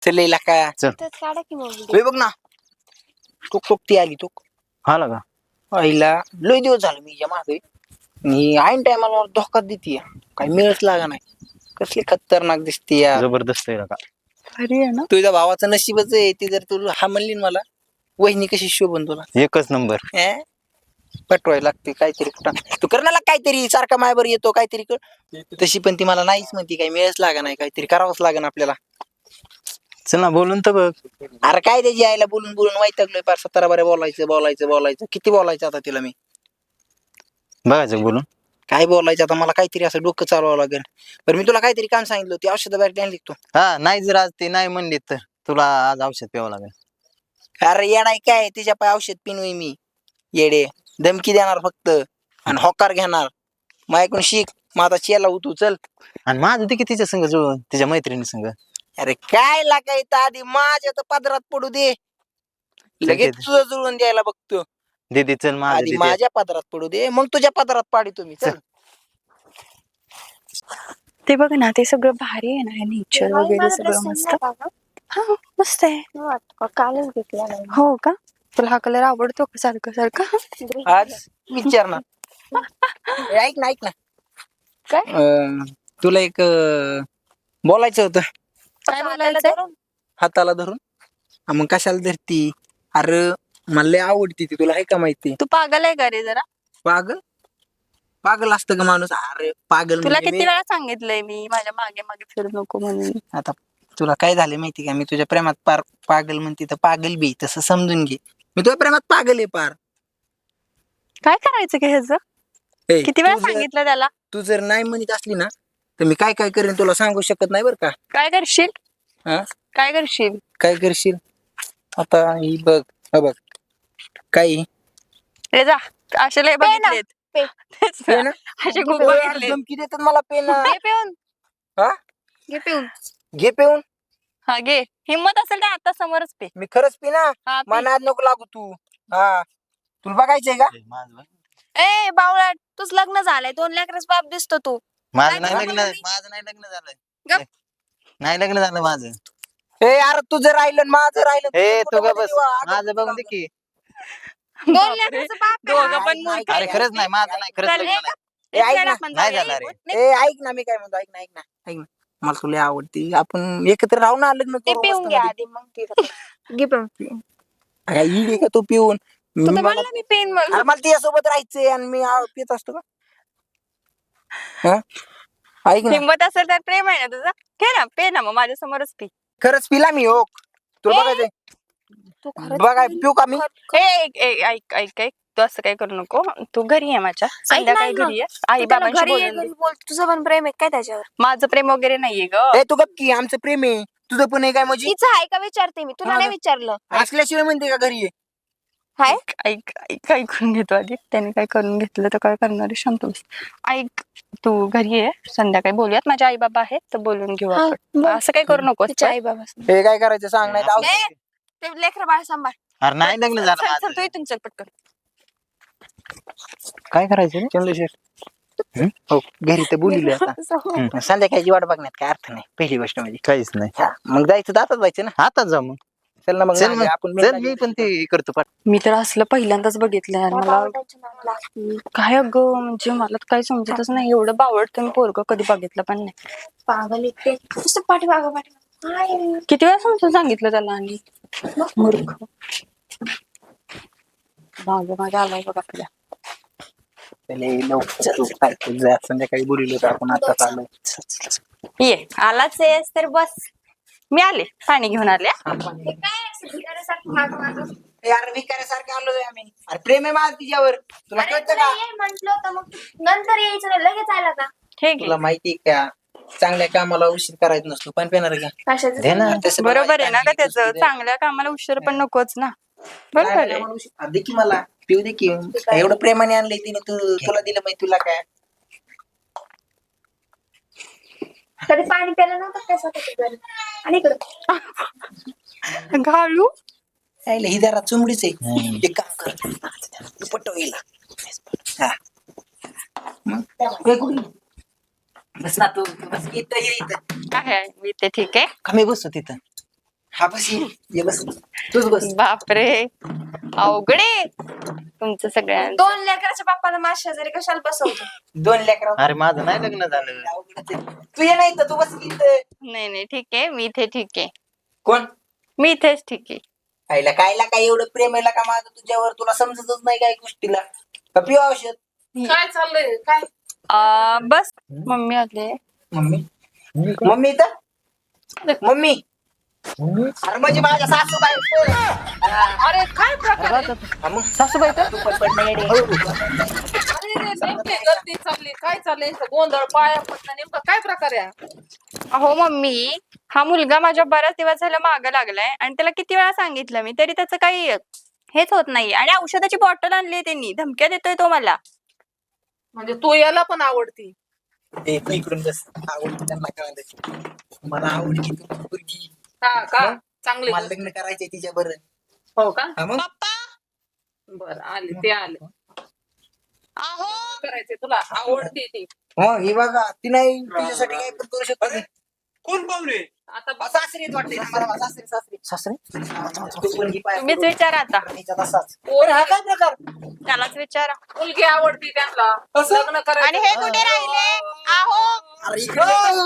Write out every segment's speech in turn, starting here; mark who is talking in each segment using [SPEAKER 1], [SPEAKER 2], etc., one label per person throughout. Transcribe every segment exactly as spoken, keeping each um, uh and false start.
[SPEAKER 1] चल का
[SPEAKER 2] चल.
[SPEAKER 3] तेच काढा की मग
[SPEAKER 1] होय बघ ना टोक टोक ती आली टोक
[SPEAKER 2] आला का
[SPEAKER 1] आईला लय दिवस झालं मी मागे आणि ऐन टायमाला धोका देते काही मिळच लागा नाही कसली खतरनाक दिसते यार
[SPEAKER 2] जबरदस्त आहे का
[SPEAKER 3] भारी आहे ना.
[SPEAKER 1] तुझ्या भावाचं नशीबच आहे ती जर तू हा म्हणली ना मला वहिनी कशी शोभन तुला
[SPEAKER 2] एकच नंबर
[SPEAKER 1] अं? पटवायला लागते काहीतरी कुठं तू करण्याला काहीतरी सारखा मायावर येतो काहीतरी कर तशी पण ती मला नाहीच म्हणती काही मिळच लागा नाही काहीतरी करावंच लागेल आपल्याला
[SPEAKER 2] चल ना बोलून तर बघ
[SPEAKER 1] अरे काय त्याची आईला बोलून बोलून वैतागलोय पार सतरा बारे बोलायचं बोलायचं बोलायचं किती बोलायचं आता तिला मी
[SPEAKER 2] बघायचं बोलून
[SPEAKER 1] काय बोलायचं आता मला काहीतरी असं डोकं चालवावं लागेल बरं मी तुला काहीतरी काम सांगितलं ती औषध बाहेर आणली तू
[SPEAKER 2] हा नाही जर आज ते नाही म्हणली तर तुला आज औषध प्यावं लागेल
[SPEAKER 1] अरे येडाय काय तिच्या पाय औषध पिनवी मी येडे धमकी देणार फक्त आणि होकार घेणार माझ्याकडून शिक मग आता चेला उतू चल
[SPEAKER 2] आणि माझं ते तिच्या संग जुळून तिच्या मैत्रिणी संग
[SPEAKER 1] अरे काय लागायचं आधी माझ्या तर पदरात पडू दे लगेच
[SPEAKER 2] दे.
[SPEAKER 1] तुझं जुळून द्यायला बघतो
[SPEAKER 2] दीदी चल माझं
[SPEAKER 1] आधी
[SPEAKER 2] दीदी
[SPEAKER 1] माझ्या पदरात पडू दे मग तुझ्या पदरात पाडी तुम्ही चल
[SPEAKER 3] ते बघ ना ते सगळं भारी आहे ना नेचर वगैरे सगळं मस्त हा मस्त आहे कालच घेतला हो का तुला हा कलर आवडतो का सारखं सारखं
[SPEAKER 1] आज विचार ना ए, ऐक ना ऐक ना
[SPEAKER 3] काय
[SPEAKER 1] अं, तुला एक अं, बोलायचं होतं
[SPEAKER 3] काय बोलायचं
[SPEAKER 1] हाताला धरून हा, मग कशाला धरती अरे मला लय आवडती ती तुला आहे का माहिती
[SPEAKER 3] तू पागल आहे का रे जरा
[SPEAKER 1] पागल पागल असतं का माणूस अरे पागल
[SPEAKER 3] तुला
[SPEAKER 1] म्हणजे
[SPEAKER 3] किती
[SPEAKER 1] मी-
[SPEAKER 3] वेळा सांगितलंय मी माझ्या मागे मागे फिरू नको म्हणून
[SPEAKER 1] आता तुला काय झालं माहिती का मी तुझ्या प्रेमात पार पागल म्हणते तर पागल बी तसं समजून घे मी तुझ्या प्रेमात पागल आहे पार
[SPEAKER 3] काय करायचं का ह्याचं
[SPEAKER 1] ए,
[SPEAKER 3] किती वेळा
[SPEAKER 1] तू जर-
[SPEAKER 3] सांगितलं त्याला
[SPEAKER 1] तू जर नाही म्हणत असली ना तर मी काय काय करेन तुला सांगू शकत नाही बरं का
[SPEAKER 3] काय करशील
[SPEAKER 1] हा
[SPEAKER 3] काय करशील
[SPEAKER 1] काय करशील आता ही बघ हा बघ काही
[SPEAKER 3] रे जा असे लय बघितलेत तेच ना.
[SPEAKER 1] पे ना?
[SPEAKER 3] असे खूप
[SPEAKER 1] ए, यार,
[SPEAKER 3] बघितलेत
[SPEAKER 1] धमकी देतात मला पेन
[SPEAKER 3] घे पिऊन
[SPEAKER 1] हा
[SPEAKER 3] घे पिऊन
[SPEAKER 1] घे पेऊन
[SPEAKER 3] हा घे हिम्मत असेल तर आता समोरच पे
[SPEAKER 1] मी खरंच पी ना
[SPEAKER 3] हा पी.
[SPEAKER 1] मनात नको लागू तू हा तुला बघायचंय का
[SPEAKER 2] माझं बघ.
[SPEAKER 3] ए बावळा तुझ लग्न झालंय दोन लेकरच बाप दिसतो तू
[SPEAKER 2] माझं
[SPEAKER 3] काय
[SPEAKER 2] नाही
[SPEAKER 3] बोलू
[SPEAKER 2] लग्न
[SPEAKER 3] मी?
[SPEAKER 2] माझं नाही लग्न झालं
[SPEAKER 3] गप.
[SPEAKER 2] नाही लग्न झालं माझं
[SPEAKER 1] ए यार तुझं राहिलं आणि माझं राहिलं
[SPEAKER 2] ए
[SPEAKER 1] तुझं
[SPEAKER 2] तू का
[SPEAKER 1] कुठं
[SPEAKER 2] बस
[SPEAKER 1] मध्ये देवा,
[SPEAKER 2] माझं
[SPEAKER 1] अगं
[SPEAKER 2] बघून दे की
[SPEAKER 3] दोन लेकराचं बाप आहे.
[SPEAKER 1] दोघं
[SPEAKER 3] दोघं
[SPEAKER 1] पण
[SPEAKER 3] पण
[SPEAKER 1] मूर्ख
[SPEAKER 2] अरे खरंच नाही माझं नाही खरंच
[SPEAKER 3] चल,
[SPEAKER 2] लग्न
[SPEAKER 3] एक-
[SPEAKER 2] नाही
[SPEAKER 1] ए, ऐक
[SPEAKER 3] एक
[SPEAKER 1] ना.
[SPEAKER 3] आपण
[SPEAKER 2] नाही
[SPEAKER 3] जाऊया,
[SPEAKER 2] झालं रे.
[SPEAKER 3] एक-
[SPEAKER 1] ए ऐक ना मी काय म्हणतो ऐक ना ऐक ना ऐक ना मला तुला आवडती आपण एकत्र राहू ना लग्न
[SPEAKER 3] ते
[SPEAKER 1] करू
[SPEAKER 3] पिऊन
[SPEAKER 1] मस्त
[SPEAKER 3] घ्या
[SPEAKER 1] मध्ये.
[SPEAKER 3] आधी मग पिऊ घे पिऊन
[SPEAKER 1] काय इडी का तू पिऊन
[SPEAKER 3] तू तर
[SPEAKER 1] मला
[SPEAKER 3] म्हणला मी पेन मग
[SPEAKER 1] अरे मला तिच्यासोबत राहायचंय आणि मी आ- पित असतो का हा? ऐक ना
[SPEAKER 3] हिंमत असेल तर प्रेम आहे ना तुझं घे ना पे ना मग माझ्या समोरच पी
[SPEAKER 1] खरंच पिला मी हो तुला
[SPEAKER 3] ए,
[SPEAKER 1] बघायचंय
[SPEAKER 3] तू
[SPEAKER 1] बघाय पिऊ का मी
[SPEAKER 3] ए ऐक ऐक ऐक ऐक ऐक तू असं काही करू नको तू घरी आहे माझ्या संध्याकाळी
[SPEAKER 4] ना.
[SPEAKER 3] घरी आहे आई बाबांशी बोलून घे.
[SPEAKER 4] बोल तुझं पण प्रेम आहे काय त्याच्यावर
[SPEAKER 3] माझं प्रेम वगैरे नाहीये ग
[SPEAKER 1] ए तू गप्प आमचं प्रेम आहे तुझं पण आहे काय म्हणजे
[SPEAKER 4] तिचं आहे का विचारते मी तुला
[SPEAKER 1] हा
[SPEAKER 4] नाही
[SPEAKER 1] ना.
[SPEAKER 4] विचारलं
[SPEAKER 1] असल्याशिवाय म्हणते का घरी आहे
[SPEAKER 4] हाय
[SPEAKER 3] ऐक ऐक ऐक ऐकून घेतो आधी त्याने काय करून घेतलं तर काय करणार आहे शांत बस ऐक तू घरी आहे संध्याकाळी बोलूयात माझे आई बाबा आहेत तर बोलून घेऊ
[SPEAKER 4] हा,
[SPEAKER 3] आपण
[SPEAKER 4] बोल.
[SPEAKER 3] असं काही करू नको
[SPEAKER 4] तिच्या आई बाबा
[SPEAKER 1] हे काय करायचं सांग नाही तर औषध-
[SPEAKER 3] ए,
[SPEAKER 4] ते लेकर बाळ सांभाळ
[SPEAKER 2] अरे नाही लग्न झालं
[SPEAKER 3] चल चल
[SPEAKER 2] माझं
[SPEAKER 3] तू इथून चल पटकन
[SPEAKER 2] काय करायचं रे?
[SPEAKER 1] चंद्रशेठ हो घरी तर बोलिले आता
[SPEAKER 2] हम्म.
[SPEAKER 1] संध्याकाळची वाट बघण्यात काय अर्थ नाही पहिली गोष्ट म्हणजे
[SPEAKER 2] काहीच नाही
[SPEAKER 1] हा, मग जायचं जातच जायचं ना
[SPEAKER 2] आताच जाऊ मग
[SPEAKER 1] चल ना मग
[SPEAKER 2] चल
[SPEAKER 1] नांदे,
[SPEAKER 2] मग
[SPEAKER 1] आपण
[SPEAKER 2] चल
[SPEAKER 1] मेन
[SPEAKER 2] मी पण ते करतो पाठ
[SPEAKER 3] मी तर असलं पहिल्यांदाच बघितलं यार मला काय अगं म्हणजे मला तर काही समजतच नाही एवढं बावडतं मी पोरग कधी बघितलं पण नाही
[SPEAKER 4] पागल इथे नुसतं पाठीमागं पाठीमागं हाय.
[SPEAKER 3] किती वेळा समजून सांगितलं त्याला आणि मूर्ख भाग माझ्या आलाय बघ आपल्या
[SPEAKER 1] चल, ए, लवकर चल, काय तुझं संध्याकाळी बोलिलो तर आपण आता आलो
[SPEAKER 3] ये आलाच आहेस तर बस मी आले पाणी घेऊन आले
[SPEAKER 4] हे काय असं भिकाऱ्यासारखं मागं मागं?
[SPEAKER 1] यार विकारासारखे आलो आम्ही अरे प्रेम आहे माझं तिच्यावर तुला
[SPEAKER 4] अरे
[SPEAKER 1] कळतं
[SPEAKER 4] तुला
[SPEAKER 1] का
[SPEAKER 4] ये म्हंटल होतं मग तू नंतर यायचं ना लगेच आला का
[SPEAKER 3] ठीक
[SPEAKER 1] तुला
[SPEAKER 3] आहे
[SPEAKER 1] माहिती का चांगल्या कामाला उशीर करायचा नसतो पण पेणार का
[SPEAKER 4] कशाचं
[SPEAKER 2] दे ना.
[SPEAKER 4] सांगितलं?
[SPEAKER 1] तसं पण
[SPEAKER 3] बरोबर आहे
[SPEAKER 1] वाईट
[SPEAKER 3] ना का त्याचं
[SPEAKER 1] कुस्ती दे.
[SPEAKER 3] चांगल्या कामाला उशीर पण नकोच ना बरोबर
[SPEAKER 1] नाही, नाही,
[SPEAKER 3] आहे
[SPEAKER 1] मला उशीर- दे की मला पिऊ दे की एवढं प्रेमाने आणलंय तिने तू तुला दिलं माहिती तुला काय
[SPEAKER 4] कधी पाणी प्यायला नव्हतं काय स्वतःच्या घरी आणि इकडं
[SPEAKER 3] घालू
[SPEAKER 1] यायला ही जरा चुमडीच आहे
[SPEAKER 2] हम्म.
[SPEAKER 1] एक काम कर तू पटव हिला. हा. मग हे कुठे? बस ना तू तू बस इथं ये इथं
[SPEAKER 3] आहे मी ते ठीक आहे
[SPEAKER 2] कमी बसतो तिथं
[SPEAKER 1] हा बस ये ये बस तूच बस.
[SPEAKER 3] बापरे अवघडे तुमचं सगळ्यांचं.
[SPEAKER 4] दोन लेकराच्या बाप्पाला माझ्या शेजारी कशाला बसवतो?
[SPEAKER 1] दोन लेकरा
[SPEAKER 2] अरे माझं नाही लग्न झालं.
[SPEAKER 1] तू ये नाही तर तू बस इथं.
[SPEAKER 3] नाही नाही ठीक आहे मी इथे ठीक आहे.
[SPEAKER 1] कोण
[SPEAKER 3] मी इथेच ठीक आहे.
[SPEAKER 1] आईला कायला काय एवढं प्रेम आहे का माझं तुझ्यावर, तुला समजतच नाही काय गोष्टीला. का पिऊ औषध?
[SPEAKER 5] काय चाललंय काय
[SPEAKER 3] अं, बस मम्मी आले.
[SPEAKER 1] मम्मी मम्मी इथं मम्मी अरे म्हणजे माझ्या सासूबाई.
[SPEAKER 5] अरे काय प्रकार आहे?
[SPEAKER 1] हा मग सासूबाई तर तू पण पडणं येडे.
[SPEAKER 5] अरे रे, नेमकी गर्दी चालली काय चाललंय इथं गोंधळ पाया पडणं नेमकं काय प्रकार आहे हा?
[SPEAKER 3] अहो मम्मी हा मुलगा माझ्या बऱ्याच दिवस झाला मागं लागलाय आणि त्याला किती वेळा सांगितलं मी तरी त्याचं काही हेच होत नाही. आणि औषधाची बॉटल आणली त्यांनी, धमक्या देतोय तो मला.
[SPEAKER 5] म्हणजे तू याला पण आवडती?
[SPEAKER 1] ए, तू इकडून बस. आवडती त्यांना कळालं. मला आवडती तू पोरगी.
[SPEAKER 5] हा का
[SPEAKER 1] मग?
[SPEAKER 5] चांगली
[SPEAKER 1] मला
[SPEAKER 5] गोष्ट.
[SPEAKER 1] लग्न करायचंय तिच्या बरं.
[SPEAKER 5] हो का
[SPEAKER 1] मग
[SPEAKER 5] बर आले ते आले. करायचे तुला आवडती ती
[SPEAKER 1] हो ही बघा ती नाही तिच्यासाठी काय पण करू शकतो मी.
[SPEAKER 6] कोण पाहुणे?
[SPEAKER 5] आता
[SPEAKER 1] हा, सासरीच वाटते ना मला. सासरी सासरी सासरी तू पोरगी पाय
[SPEAKER 3] तुम्हीच विचारा आता,
[SPEAKER 1] तिच्यात असाच.
[SPEAKER 5] पोर
[SPEAKER 1] हा काय प्रकार?
[SPEAKER 3] त्यालाच विचारा.
[SPEAKER 5] मुलगी आवडती त्यांना लग्न
[SPEAKER 3] आणि
[SPEAKER 5] करायचं.
[SPEAKER 3] हे कुठे राहिले? आहो
[SPEAKER 1] अरे इकडे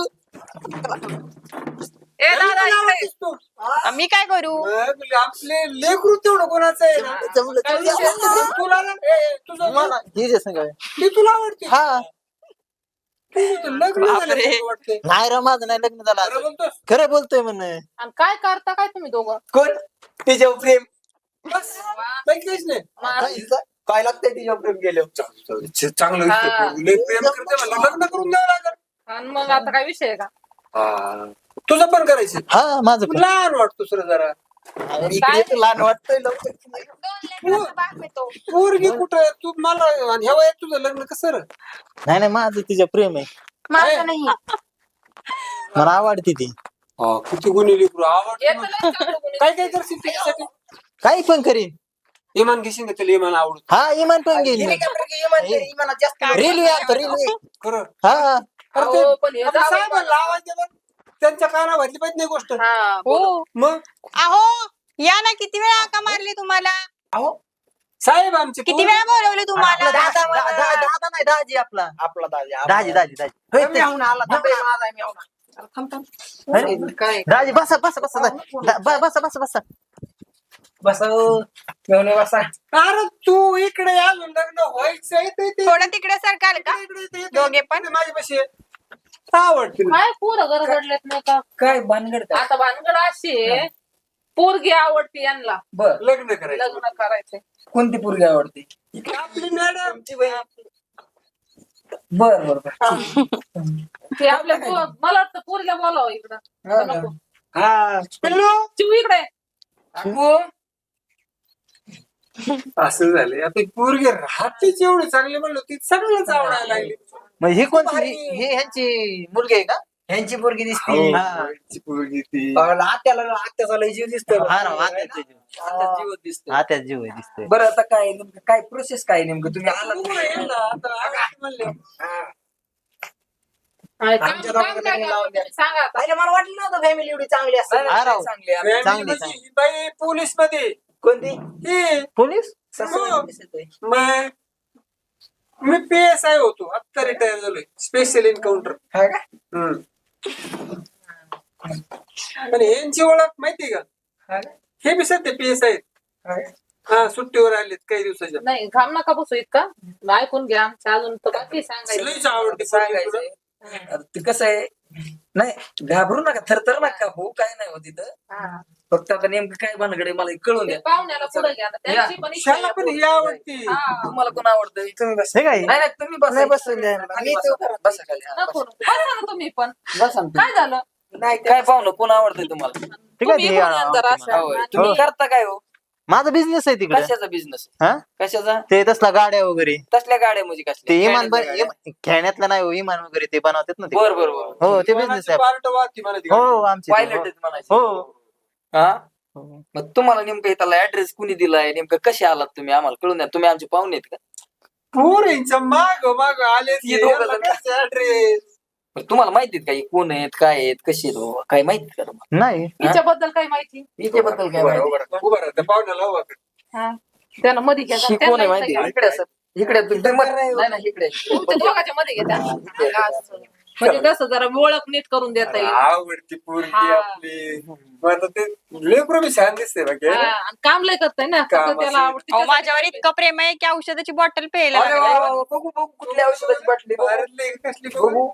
[SPEAKER 5] ए दादा इकडे.
[SPEAKER 6] आवडतीस तू?
[SPEAKER 3] मी काय करू?
[SPEAKER 6] मग आपले लेकरू तेवढं कोणाचं आहे ना?
[SPEAKER 1] जमलं
[SPEAKER 5] काय
[SPEAKER 1] तुझ्या
[SPEAKER 5] विषय
[SPEAKER 1] आवडतं.
[SPEAKER 6] तुला ना ए, तुझं
[SPEAKER 2] मला हे जे सांगाय.
[SPEAKER 6] ती तुला आवडते?
[SPEAKER 2] हा
[SPEAKER 6] तुझं तर लग्न झालं असं वाटतंय.
[SPEAKER 2] नाही रे माझं नाही लग्न झालं
[SPEAKER 6] खरं
[SPEAKER 2] अजून.
[SPEAKER 6] बोलतोस?
[SPEAKER 2] खरं बोलतोय म्हण.
[SPEAKER 5] आणि काय करता काय तुम्ही दोघं?
[SPEAKER 1] कोण तिच्यावर प्रेम?
[SPEAKER 6] बस बाकी काहीच नाही.
[SPEAKER 5] मा-
[SPEAKER 1] काय लागतंय तिच्यावर प्रेम केलं?
[SPEAKER 6] चांगलं
[SPEAKER 5] हा.
[SPEAKER 6] दिसतंय. लय प्रेम करते म्हणलं लग्न करून द्यावं लागेल.
[SPEAKER 5] आणि मग आता काय विषय आहे का?
[SPEAKER 6] हा. तुझं पण करायचं.
[SPEAKER 2] हा माझं पण.
[SPEAKER 6] लहान वाटतो सर जरा.
[SPEAKER 1] इकडे तर लहान वाटतंय लवकर.
[SPEAKER 4] दोन लेकराचा बाप आहे तो.
[SPEAKER 6] पोरगी कुठं आहे? तू मला आणि ह्या वयात तुझं लग्न कसं रे?
[SPEAKER 2] नाही नाही माझं तिच्या प्रेम आहे.
[SPEAKER 4] माझं नाही.
[SPEAKER 2] मला आवडते ती.
[SPEAKER 6] हा, किती गुन्हे लेकरू आवडते
[SPEAKER 5] येतं
[SPEAKER 6] मला.
[SPEAKER 5] लय चांगलं कोणी.
[SPEAKER 6] काय काय करशील तिच्यासाठी?
[SPEAKER 2] काही पण करीन.
[SPEAKER 6] इमान घेशील का त्याला इमान आवडत
[SPEAKER 2] हा इमान पण घेईन मी.
[SPEAKER 1] हेलिकॉप्टर घे, विमान घे, विमानात जास्त
[SPEAKER 2] रेल्वे आता रेल्वे.
[SPEAKER 6] खरं.
[SPEAKER 2] हा
[SPEAKER 6] अरे ते-
[SPEAKER 5] अहो, पण हे
[SPEAKER 6] आता
[SPEAKER 5] जावई
[SPEAKER 6] साहेबांना आवाज द्या बरं. त्यांच्या काना भरली पाहिजे नाही गोष्ट.
[SPEAKER 5] हा
[SPEAKER 3] हो
[SPEAKER 6] मग
[SPEAKER 3] अहो या ना, किती वेळा हाका मारली तुम्हाला?
[SPEAKER 1] अहो
[SPEAKER 6] साहेब आमचे
[SPEAKER 3] किती
[SPEAKER 6] पोरं-
[SPEAKER 3] वेळा बोलवले तुम्हाला?
[SPEAKER 2] दा- दा- दा- दा- दादा नाही दाजी आपला.
[SPEAKER 1] आपला दाजी
[SPEAKER 2] दाजी दाजी दाजी. होय ते.
[SPEAKER 1] मेहुणा आला. थांब रे, माझा मेहुणा. अरे थांब थांब.
[SPEAKER 2] अरे,
[SPEAKER 5] काय
[SPEAKER 2] दाजी बसा बसा बसा दाजी. दा- ब- बसा बसा बसा.
[SPEAKER 1] बसा हो. मेहुणे बसा.
[SPEAKER 6] अरे तू इकडे अजून लग्न व्हायचंय ते- ते-
[SPEAKER 3] थोडं तिकडे सरकाल का?
[SPEAKER 6] इकडे- इकडे- इकडे-
[SPEAKER 3] दोघे पण?
[SPEAKER 6] इकडे माझ्यापाशी आहे. आवडते ना.
[SPEAKER 5] काय पोरं गरगडलेत नाही का?
[SPEAKER 1] काय भानगड काय?
[SPEAKER 5] आता भानगड अशी आहे, पोरगी आवडती यांना
[SPEAKER 1] बर
[SPEAKER 6] लग्न करायचं.
[SPEAKER 5] लग्न करायचंय.
[SPEAKER 1] कोणती पोरगी आवडते?
[SPEAKER 6] आपली मॅडम
[SPEAKER 1] तुमची बहीण. बर बर बर.
[SPEAKER 5] ते आपल्या पो- मला वाटतं पोरीला बोलावं इकडं.
[SPEAKER 1] हा,
[SPEAKER 5] नको.
[SPEAKER 6] हा पिल्लू.
[SPEAKER 5] चिऊ इकडे.
[SPEAKER 1] अगो,
[SPEAKER 6] असं झालंय आता पोरगी राहतेच एवढी चांगली म्हणलं ती सगळंच आवडायला लागली.
[SPEAKER 2] मग ही कोणती ही ही ह्यांची मुलगी आहे का?
[SPEAKER 1] ह्यांची पोरगी दिसते.
[SPEAKER 6] हो,
[SPEAKER 2] हा.
[SPEAKER 6] ती पोरगी ती
[SPEAKER 1] आत्याला आत्याचा लय जीव दिसतोय.
[SPEAKER 2] हा राव आत्याच जीव.
[SPEAKER 1] आत्याचा जीव दिसतोय.
[SPEAKER 2] आत्याच जीव आहे दिसतोय.
[SPEAKER 1] बरं आता काय नेमकं काय प्रोसेस काय नेमकं तुम्ही आला
[SPEAKER 6] बघू ना, येईल ना, आता आवडते म्हणले.
[SPEAKER 5] आणि काम
[SPEAKER 1] आमच्या
[SPEAKER 5] काम
[SPEAKER 1] दोघांना
[SPEAKER 5] काय
[SPEAKER 1] लग्न
[SPEAKER 5] करता
[SPEAKER 1] लावून द्या.
[SPEAKER 5] तुम्ही सांगा आता.
[SPEAKER 1] पहिले मला वाटलं नव्हतं फॅमिली एवढी चांगली असते.
[SPEAKER 2] हा राव.
[SPEAKER 1] चांगली आहे.
[SPEAKER 6] Family
[SPEAKER 2] चांगली,
[SPEAKER 6] म्हणजे
[SPEAKER 2] चांगली.
[SPEAKER 6] ही बाई पोलीस मध्ये
[SPEAKER 1] कोणती?
[SPEAKER 6] ही
[SPEAKER 2] पोलीस?
[SPEAKER 1] सासूबाई दिसतोय.
[SPEAKER 6] मग मी पी एस आय होतो आता रिटायर झालोय स्पेशल एन्काउंटर.
[SPEAKER 1] हा का?
[SPEAKER 6] आणि यांची ओळख माहिती का?
[SPEAKER 1] हा का?
[SPEAKER 6] हे बी सध्या पी एस आहेत.
[SPEAKER 1] हा का?
[SPEAKER 6] हा सुट्टीवर आलेत काही दिवसाच्या.
[SPEAKER 5] नाही घाम नका बसू इतका ऐकून घ्या आमच्या अजून तर बाकी सांगायचं.
[SPEAKER 6] लईच आवडते पोरगी तुला.
[SPEAKER 1] सांगायचंय अरे ते कसं आहे नाही घाबरू नका थरथर नका हो काय नाही हो तिथं.
[SPEAKER 5] हा.
[SPEAKER 1] फक्त आता नेमकं काय भानगड आहे मला हे कळून
[SPEAKER 5] ते
[SPEAKER 1] द्या.
[SPEAKER 5] पाहुण्याला पुढे घ्या ना. त्यांची पण इच्छा
[SPEAKER 6] शाला
[SPEAKER 5] आहे
[SPEAKER 6] पण ही
[SPEAKER 5] पोरगी.
[SPEAKER 6] आवडती.
[SPEAKER 5] हा.
[SPEAKER 1] तुम्हाला कोण आवडतंय? तुम्ही बसा.
[SPEAKER 2] हे काय?
[SPEAKER 1] नाही नाही तुम्ही बसा.
[SPEAKER 2] नाही बसले.
[SPEAKER 1] आणि इथं बसा. बसा खाली. हा,
[SPEAKER 5] नको नको. बसा ना तुम्ही पण
[SPEAKER 1] बसा ना
[SPEAKER 5] काय झालं
[SPEAKER 1] तुम्ही. नाही काय पाहुणं कोण आवडतंय तुम्हाला?
[SPEAKER 2] ठीक आहे,
[SPEAKER 5] तुम्ही
[SPEAKER 2] ते
[SPEAKER 5] इकडून या जरा अशा.
[SPEAKER 1] होय.
[SPEAKER 5] आणि
[SPEAKER 1] तुम्ही करता काय हो?
[SPEAKER 2] माझा बिझनेस आहे तिकडे.
[SPEAKER 1] कशाचा बिझनेस?
[SPEAKER 2] हा
[SPEAKER 1] कशाचा?
[SPEAKER 2] ते तसला गाड्या वगैरे
[SPEAKER 1] तसल्या गाड्या म्हणजे
[SPEAKER 2] ते
[SPEAKER 1] कसल्या?
[SPEAKER 2] इमान
[SPEAKER 1] खेळण्यातल्या गाड्या?
[SPEAKER 2] इम- खेळण्यातलं नाही हो, इमान वगैरे ते बनवतात ना ते.
[SPEAKER 1] बर बर बर.
[SPEAKER 2] हो ते बिझनेस आहे.
[SPEAKER 6] पार्ट वाहती मला ती
[SPEAKER 2] हो
[SPEAKER 6] गाडी.
[SPEAKER 2] आमचे
[SPEAKER 1] पायलट
[SPEAKER 2] ते.
[SPEAKER 1] आहेत म्हणायचे.
[SPEAKER 2] हो
[SPEAKER 1] हा
[SPEAKER 2] हो.
[SPEAKER 1] मग तुम्हाला नेमकं त्याला ऍड्रेस कुणी दिलाय नेमकं कसे आलात तुम्ही आम्हाला कळून द्या. तुम्ही आमचे पाहुणे आहेत का?
[SPEAKER 6] पोरींच्या माग माग आले
[SPEAKER 1] हे दोघं जण.
[SPEAKER 6] ऍड्रेस
[SPEAKER 1] पण तुम्हाला माहितीत का हे कोण आहेत काय आहेत कशी आहेत बाबा? काय माहिती का तुम्हाला
[SPEAKER 2] नाही
[SPEAKER 5] तिच्याबद्दल काय माहिती?
[SPEAKER 1] हिच्याबद्दल काय
[SPEAKER 6] उभा
[SPEAKER 1] माहिती
[SPEAKER 6] राहा, उभा राहा. उभा राहा, त्या पाहुण्याला उभा कर.
[SPEAKER 5] हा त्यानं मध्ये घ्या
[SPEAKER 1] ही
[SPEAKER 5] त्यांना
[SPEAKER 1] कोण आहे
[SPEAKER 5] इथं
[SPEAKER 1] माहिती
[SPEAKER 5] घ्या.
[SPEAKER 1] का? इकडे असं इकडे तू- तू- नाही नाही इकडे
[SPEAKER 5] तुमच्या दोघांच्या मध्ये घ्या त्यांना. असं. म्हणजे कसं जरा ओळख नीट करून देता येईल.
[SPEAKER 6] आवडती पोरगी
[SPEAKER 5] हा.
[SPEAKER 6] आपली मग आता ते लेकरू बी छान दिसते बाकी
[SPEAKER 5] हा, आणि काम लय करताय ना
[SPEAKER 6] काम
[SPEAKER 5] सगळं त्याला
[SPEAKER 6] असेल.
[SPEAKER 5] आवडते
[SPEAKER 3] अहो, माझ्यावर इतकं प्रेम आहे की औषधाची बॉटल प्यायला
[SPEAKER 1] अरे वा,
[SPEAKER 3] लागलाय.
[SPEAKER 1] वा, वा, बघू बघू कुठल्या औषधाची बाटली बघू.
[SPEAKER 6] भारतले कसली
[SPEAKER 1] बघू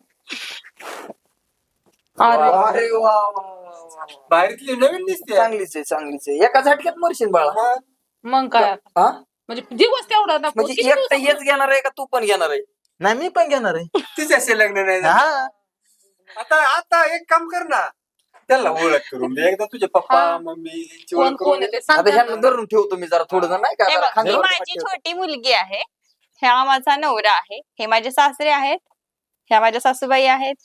[SPEAKER 5] अरे
[SPEAKER 1] अरे वा वा, वा, वा.
[SPEAKER 6] बाहेरतली नवीन दिसते
[SPEAKER 1] चांगलीच आहे चांगलीच आहे एका झटक्यात मरशील बाळा
[SPEAKER 6] हा.
[SPEAKER 5] मग काय
[SPEAKER 1] हा
[SPEAKER 5] म्हणजे दिवस तेवढा ना
[SPEAKER 1] म्हणजे
[SPEAKER 5] किती
[SPEAKER 1] एकटं
[SPEAKER 5] दिवस-
[SPEAKER 1] हेच घेणार आहे का तू पण घेणार आहे
[SPEAKER 2] नाही मी पण घेणार आहे
[SPEAKER 6] तिच्याशी लग्न नाही झालं.
[SPEAKER 2] हा
[SPEAKER 6] आता आता एक काम कर ना त्याला ओळख करून दे एकदा तुझे पप्पा
[SPEAKER 5] हा.
[SPEAKER 6] मम्मी यांची
[SPEAKER 5] कोण
[SPEAKER 6] ओळख
[SPEAKER 5] कोण
[SPEAKER 6] करून
[SPEAKER 5] आहे
[SPEAKER 6] दे.
[SPEAKER 5] ते सांग
[SPEAKER 1] आता ह्यांना
[SPEAKER 5] त्यांना.
[SPEAKER 1] धरून ठेवतो मी जरा थोडं जण नाही का
[SPEAKER 3] हे
[SPEAKER 1] जरा
[SPEAKER 3] बघ, ही
[SPEAKER 1] खांद्यावर
[SPEAKER 3] माझी
[SPEAKER 1] ठेवतो.
[SPEAKER 3] छोटी मुलगी आहे. ह्या माझा नवरा आहे. हे माझे सासरे आहेत. ह्या माझ्या सासूबाई आहेत.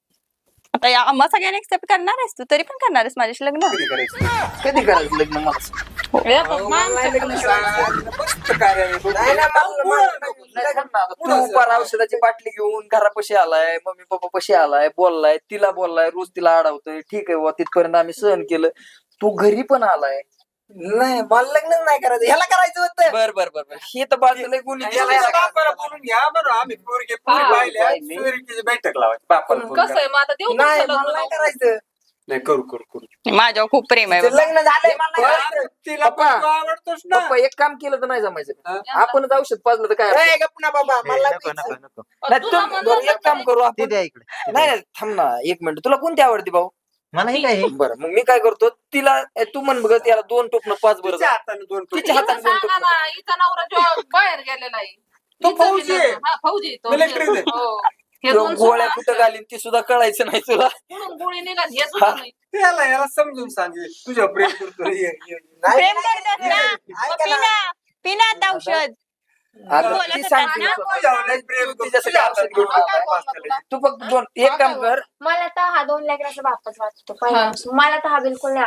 [SPEAKER 3] आता या आम्हा सगळ्यांना एक्सेप्ट करणार आहेस तू तरी पण करणार आहेस माझ्याशी लग्न?
[SPEAKER 6] कधी करायचं
[SPEAKER 1] कधी करायचं लग्न मला सांग.
[SPEAKER 5] हे बघ,
[SPEAKER 1] हो,
[SPEAKER 5] माणसं
[SPEAKER 1] नाही लग्न
[SPEAKER 6] सांग, मस्त कार्य आहे.
[SPEAKER 1] नाही, नाही, मला- मला- नाही करणार. आता तू पार औषधाची बाटली घेऊन घरापाशी आलाय मम्मी पप्पा पशी आलाय बोललाय तिला बोललाय रोज तिला अडवतोय ठीक आहे बुवा तिथपर्यंत आम्ही सहन केलं तू घरी पण आलाय नाही मला लग्न नाही करायचं ह्याला करायचं होतं बर बर बर बर हे तर बाजूला गुन्हे
[SPEAKER 6] याला- याला बापाला बोलून घ्या बरं आम्ही पोरगी पोरी
[SPEAKER 5] हा.
[SPEAKER 6] पाहिल्या
[SPEAKER 1] काय मी?
[SPEAKER 6] पोरगीची बैठक लावायची बापाला फोन
[SPEAKER 5] कसं
[SPEAKER 6] करा.
[SPEAKER 5] आहे मग आता देऊ
[SPEAKER 1] नाही
[SPEAKER 5] तुमचं
[SPEAKER 1] मला
[SPEAKER 5] लग्न
[SPEAKER 1] नाही
[SPEAKER 5] लावून?
[SPEAKER 1] करायचं
[SPEAKER 6] नाही करू करू करू
[SPEAKER 3] माझ्यावर खूप प्रेम आहे
[SPEAKER 1] ते
[SPEAKER 3] बाबा.
[SPEAKER 1] लग्न झालंय मला नाही करायचं.
[SPEAKER 6] तिला पण
[SPEAKER 1] पप्पा.
[SPEAKER 6] तू आवडतोस ना
[SPEAKER 1] पप्पा एक काम केलं तर नाही जमायचं
[SPEAKER 6] हा?
[SPEAKER 1] आपण औषध पाजलं तर काय अर्थ?
[SPEAKER 2] ए, नको नको नको
[SPEAKER 1] नाही,
[SPEAKER 5] तुला
[SPEAKER 1] तू-
[SPEAKER 5] म्हणलं
[SPEAKER 1] बरं, एक काम करू
[SPEAKER 2] ते
[SPEAKER 1] आपण
[SPEAKER 2] द्या इकडे ते
[SPEAKER 1] नाही
[SPEAKER 2] द्या.
[SPEAKER 1] नाही, थांब ना एक मिनिट तुला कोणती आवडते भाऊ
[SPEAKER 2] मला हे काय हे?
[SPEAKER 1] बरं मग मी काय करतो तिला ए, तू म्हण बघ त्याला दोन टोपणं पाच बरं
[SPEAKER 6] तिच्या हाताने दोन टोपी.
[SPEAKER 1] तिच्या
[SPEAKER 5] हिचं
[SPEAKER 1] हाताने दोन
[SPEAKER 5] सांगा
[SPEAKER 1] टोपणं
[SPEAKER 5] ना हिचा नवरा जेव्हा बाहेर गेलेला आहे
[SPEAKER 6] तो
[SPEAKER 5] हिचं
[SPEAKER 6] फौजी
[SPEAKER 5] बी
[SPEAKER 6] आहे.
[SPEAKER 5] लग्न- हा, फौजी आहे तो.
[SPEAKER 6] Military आहे.
[SPEAKER 5] हो. हे
[SPEAKER 1] तो
[SPEAKER 5] दोन
[SPEAKER 1] गोळ्या
[SPEAKER 5] सुना
[SPEAKER 1] कुठं घालीन ती सुद्धा कळायचं नाही तुला
[SPEAKER 5] कुठून गोळी निघाली हे सुद्धा नाही.
[SPEAKER 6] याला याला समजून सांगे तुझ्या प्रेम करतो ये, ये, ये.
[SPEAKER 3] प्रेम करतात ना मग पिना पिना आता औषध.
[SPEAKER 1] आता
[SPEAKER 3] बोलत
[SPEAKER 1] ती
[SPEAKER 3] होता
[SPEAKER 1] सांगते
[SPEAKER 3] ना?
[SPEAKER 1] तू.
[SPEAKER 6] तुझ्यावर लय प्रेम करतो.
[SPEAKER 1] तिच्यासाठी
[SPEAKER 6] तुझ्या
[SPEAKER 1] औषध
[SPEAKER 6] हातात
[SPEAKER 1] घेऊन
[SPEAKER 6] घेऊन
[SPEAKER 1] आलाय.
[SPEAKER 6] आलाय मास्तरला.
[SPEAKER 1] तू फक्त दोन एक काम कर
[SPEAKER 4] मला तर हा दोन लेकराचा बापच वाटतो पहिल्यापासून. मला तर हा बिलकुल नाही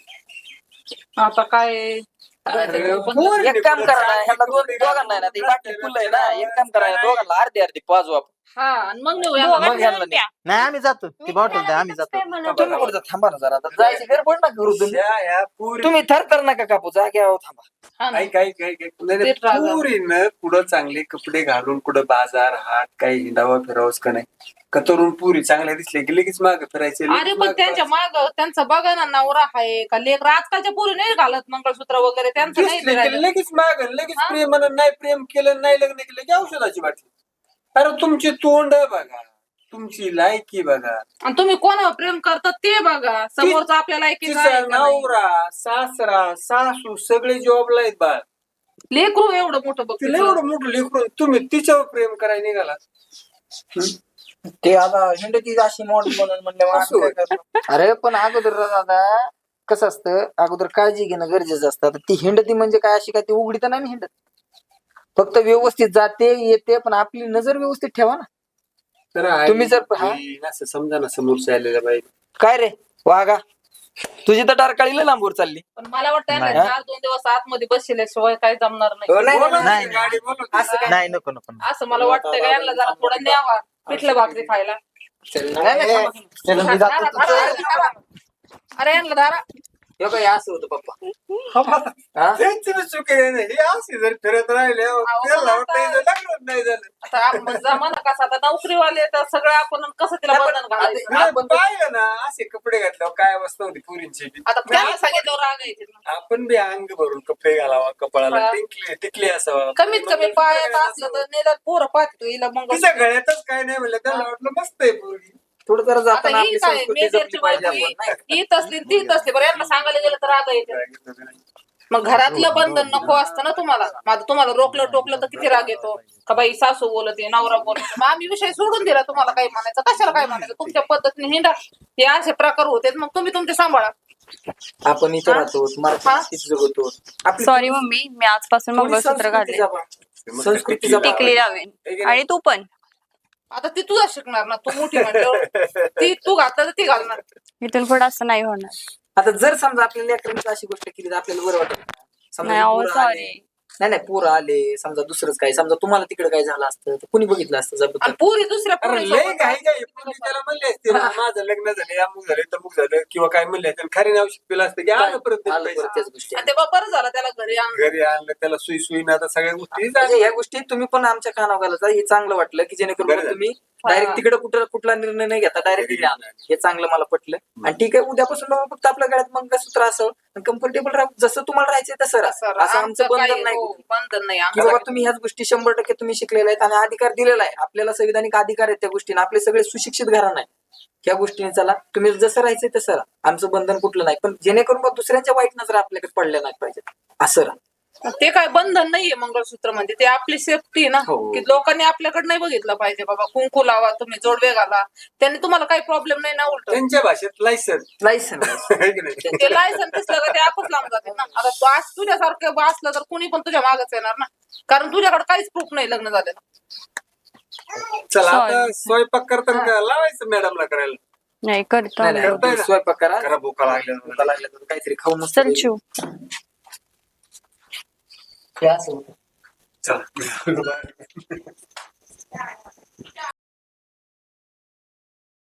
[SPEAKER 4] आवडत.
[SPEAKER 5] आता काय
[SPEAKER 6] अरे,
[SPEAKER 5] पण-
[SPEAKER 6] पोरी
[SPEAKER 1] एक काम करा ना ह्याला दोन
[SPEAKER 6] कपडे
[SPEAKER 1] दोघांना आहे ना ती बाटली फुल आहे ना एक काम करा दोघांना अर्धी अर्धी पाजू आपण
[SPEAKER 5] हा आणि मग नेऊया
[SPEAKER 3] दोघं
[SPEAKER 1] मग ह्यांना
[SPEAKER 3] मिळून प्या.
[SPEAKER 2] नाही आम्ही जातो ती बॉटल द्या आम्ही जातो
[SPEAKER 4] काय म्हणत
[SPEAKER 1] तुम्ही कुठं जा- थांबा ना जरा आता जायची गडबड ना करू तुम्ही
[SPEAKER 6] या, या, पोरी-
[SPEAKER 1] तुम्ही थरथर नका कापू जाग्यावर थांबा
[SPEAKER 5] हा ना.
[SPEAKER 6] ऐक ऐक ऐक ऐक. नाही, नाही,
[SPEAKER 5] तेच राजा.
[SPEAKER 6] पोरीनं कुठं चांगले कपडे घालून कुठं बाजार हाट काही हिंडावा फिरावंच का नाही का तरुण पुरी चांगल्या दिसले की लगेच माग फिरायचे लगेच
[SPEAKER 5] अरे पण
[SPEAKER 6] मागं
[SPEAKER 5] त्यांच्या
[SPEAKER 6] फिरायचे.
[SPEAKER 5] माग त्यांचा बघा ना नवरा आहे का लेकर आजकालच्या पोरी नाही घालत मंगळसूत्र वगैरे त्यांचं नाही
[SPEAKER 6] दिसले
[SPEAKER 5] ते
[SPEAKER 6] की
[SPEAKER 5] राहिलं.
[SPEAKER 6] लगेच माग लगेच
[SPEAKER 5] हा?
[SPEAKER 6] प्रेम म्हणून नाही प्रेम केलं नाही लग्न केलं की औषधाची बाटली अरे तुमची तोंड बघा तुमची लायकी बघा
[SPEAKER 5] आणि तुम्ही कोणावर प्रेम करतात ते बघा समोरचा आपल्याला एकीच आहे
[SPEAKER 6] तिचा
[SPEAKER 5] का नाही.
[SPEAKER 6] नवरा सासरा सासू सगळे जॉबला आहेत बाळ
[SPEAKER 5] लेकरू एवढं मोठं बघ
[SPEAKER 6] तिला
[SPEAKER 5] तिचं.
[SPEAKER 6] एवढं मोठं लेकरून तुम्ही तिच्यावर प्रेम करायला निघाला
[SPEAKER 1] ते आता हिंडती अशी मॉडेल म्हणून म्हणले
[SPEAKER 6] असं होय.
[SPEAKER 1] अरे पण अगोदर दादा कसं असतं अगोदर काळजी घेणं गरजेचं असतं आता ती हिंडती म्हणजे काय अशी काय ती उघडी तर नाही ना हिंडत फक्त व्यवस्थित जाते येते पण आपली नजर व्यवस्थित ठेवा ना
[SPEAKER 6] तर आई,
[SPEAKER 1] तुम्ही जर- हा?
[SPEAKER 6] आई, असं समजा ना समोरच्या आलेल्या बाई
[SPEAKER 1] काय रे वागा तुझी तर टारकाळीला लांबवर चालली
[SPEAKER 5] पण मला वाटतं ना
[SPEAKER 2] नाही.
[SPEAKER 5] चार दोन दिवस आतमध्ये बसल्याशिवाय काही जमणार नाही
[SPEAKER 1] हो, नाही,
[SPEAKER 6] बोला ना,
[SPEAKER 2] नाही,
[SPEAKER 6] गाडी बोलवते.
[SPEAKER 1] असं काय
[SPEAKER 2] नाही नको नको नको.
[SPEAKER 5] असं मला वाटतं का यांना जरा थोडं न्यावा पिठलं भाकरी खायला
[SPEAKER 1] नाही, नाही, थांबा. चला, मी जातो.
[SPEAKER 5] धारा, धारा, धारा. अरे यांना धारा
[SPEAKER 1] हे काय असं होतं पप्पा हा?
[SPEAKER 6] त्यांची बी चुकी आहे ना. हे असे जर फिरत राहिले त्याला वाटतं हिचं लग्नच नाही झालं
[SPEAKER 5] आता आपण जमाना कसा आता नोकरीवाले तर सगळं आपण कसं तिला बंधन घालायचं
[SPEAKER 1] आपण
[SPEAKER 6] आपण पाहिलं ना असे कपडे घातल्यावर काय अवस्था होती पुरींची बी.
[SPEAKER 5] आता त्यांना सांगितल्यावर राग येते ना.
[SPEAKER 6] आपण बी अंग भरून कपडे घालावा कपाळाला
[SPEAKER 5] हा.
[SPEAKER 6] टिकले टिकले असावा
[SPEAKER 5] कमीत कमी पायात असलं तर निदान पोरं पाहतो हिला मग
[SPEAKER 6] तिच्या गळ्यातच काय नाही म्हणलं त्याला वाटलं मस्त आहे पोरगी
[SPEAKER 1] थोडं जरा
[SPEAKER 5] आता
[SPEAKER 1] जाताना
[SPEAKER 5] ही
[SPEAKER 1] आपली
[SPEAKER 5] काय
[SPEAKER 1] संस्कृती
[SPEAKER 5] मेजरची
[SPEAKER 1] जपली पाहिजे
[SPEAKER 5] बायको
[SPEAKER 1] आपण, नाही का?
[SPEAKER 5] ही तसली ती तसली बरं यांना सांगायला गेलं तर राग येते मग घरातलं बंधन नको असतं ना तुम्हाला माझं तुम्हाला रोकलं टोकलं तर किती राग येतो का बाई सासू बोलते नवरा बोलते मग आम्ही विषय सोडून दिला तुम्हाला काय म्हणायचं कशाला काय म्हणायचं तुमच्या पद्धतीने हिंडा हे असे प्रकार होते मग तुम्ही तुमचे सांभाळा
[SPEAKER 1] आपण इथं राहतो मराठी जगतो आपली
[SPEAKER 3] सॉरी मम्मी मी आजपासून
[SPEAKER 1] थोडी
[SPEAKER 3] मंगळसूत्र
[SPEAKER 1] संस्कृती
[SPEAKER 3] घातले
[SPEAKER 1] जपा. संस्कृती जपा.
[SPEAKER 3] टिकली लावेन आणि तू पण
[SPEAKER 5] आता ती तुझा शिकणार ना तू मोठी म्हणल्यावर ती तू घातलं तर ती घालणार
[SPEAKER 3] इथून पुढे असं नाही होणार.
[SPEAKER 1] आता जर समजा आपल्या लेकरांची अशी गोष्ट केली तर आपल्याला बरं वाटत
[SPEAKER 3] नाही अहो
[SPEAKER 1] पोरं आले,
[SPEAKER 3] सॉरी
[SPEAKER 1] नाही नाही पोरं आले समजा दुसरंच काय समजा तुम्हाला तिकडे काय झालं असतं तर कुणी बघितलं असतं
[SPEAKER 5] आणि
[SPEAKER 1] जबरदस्त
[SPEAKER 5] पुरी दुसऱ्या
[SPEAKER 6] अरे
[SPEAKER 5] पोरी
[SPEAKER 6] लय
[SPEAKER 5] सोबत
[SPEAKER 6] काही काही पूर्वी त्याला म्हणले असते ना, माझं लग्न झालं अमुक झालं तमुक झालं किंवा काय म्हणले असते खरी नाव शिकलेलं असतं की आलं परत
[SPEAKER 1] आलं
[SPEAKER 6] पैसे.
[SPEAKER 1] परत त्याच गोष्टी
[SPEAKER 5] आणि ते बा बरं झालं त्याला घरी आणलं.
[SPEAKER 6] घरी आणलं त्याला सुई सुई ना आता सगळ्या गोष्टी
[SPEAKER 1] म्हणजे ह्या गोष्टी तुम्ही पण आमच्या कानावर घालायचा हे चांगलं वाटलं की जेणेकरून
[SPEAKER 6] बरं
[SPEAKER 1] मग
[SPEAKER 6] झालं.
[SPEAKER 1] तुम्ही डायरेक्ट तिकडे कुठं कुठला निर्णय नाही घेता डायरेक्ट घरी आणा हे चांगलं मला पटलं आणि ठीक आहे उद्यापासून मग फक्त आपल्या गळ्यात मंगळसूत्र असं कम्फर्टेबल राहू जसं तुम्हाला राहायचंय तसं राहा.
[SPEAKER 5] सर,
[SPEAKER 1] असं आमचं
[SPEAKER 5] आमचं
[SPEAKER 1] बंधन
[SPEAKER 5] काही
[SPEAKER 1] नाही
[SPEAKER 5] हो,
[SPEAKER 1] कुठलं.
[SPEAKER 5] बंधन नाही
[SPEAKER 1] की
[SPEAKER 5] आमचं.
[SPEAKER 1] बाबा तुम्ही ह्याच गोष्टी शंभर टक्के तुम्ही शिकलेले आहेत आणि अधिकार दिलेला आहे आपल्याला संविधानिक अधिकार आहेत त्या गोष्टीने आपले सगळे सुशिक्षित घराणं आहे ह्या गोष्टीने चला तुम्ही जसं राहायचंय तसं राहा आमचं बंधन कुठलं नाही पण जेणेकरून मग दुसऱ्यांच्या वाईट नजर आपल्याकडे पडल्या नाही पाहिजे असं राहा.
[SPEAKER 5] ते काय बंधन नाहीये मंगळसूत्र म्हणजे ते आपली सेफ्टी ना
[SPEAKER 1] हो.
[SPEAKER 5] की लोकांनी आपल्याकडे नाही बघितलं पाहिजे बाबा कुंकू लावा तुम्ही जोडवे घाला त्यांनी तुम्हाला काही प्रॉब्लेम नाही ना उलट
[SPEAKER 6] त्यांच्या भाषेत लायसन
[SPEAKER 1] लायसन
[SPEAKER 5] ते लायसन दिसलं का ते आपच लांब जाते ना आता तू आज तुझ्यासारखं बा असलं तर कुणी पण तुझ्या मागच येणार ना कारण तुझ्याकडे काहीच प्रूफ नाही लग्न झालेलं.
[SPEAKER 6] चला आता स्वयंपाक करताना का लावायचं मॅडमला करायला
[SPEAKER 3] नाही करतो
[SPEAKER 1] नाही
[SPEAKER 6] करताय
[SPEAKER 1] नाही
[SPEAKER 6] ना?
[SPEAKER 1] स्वयंपाक करा
[SPEAKER 6] करा भूका लागल्या
[SPEAKER 1] भूका लागल्या तर काहीतरी खाऊ मस्त
[SPEAKER 3] चल शिव
[SPEAKER 1] हे असं होतं.
[SPEAKER 6] चला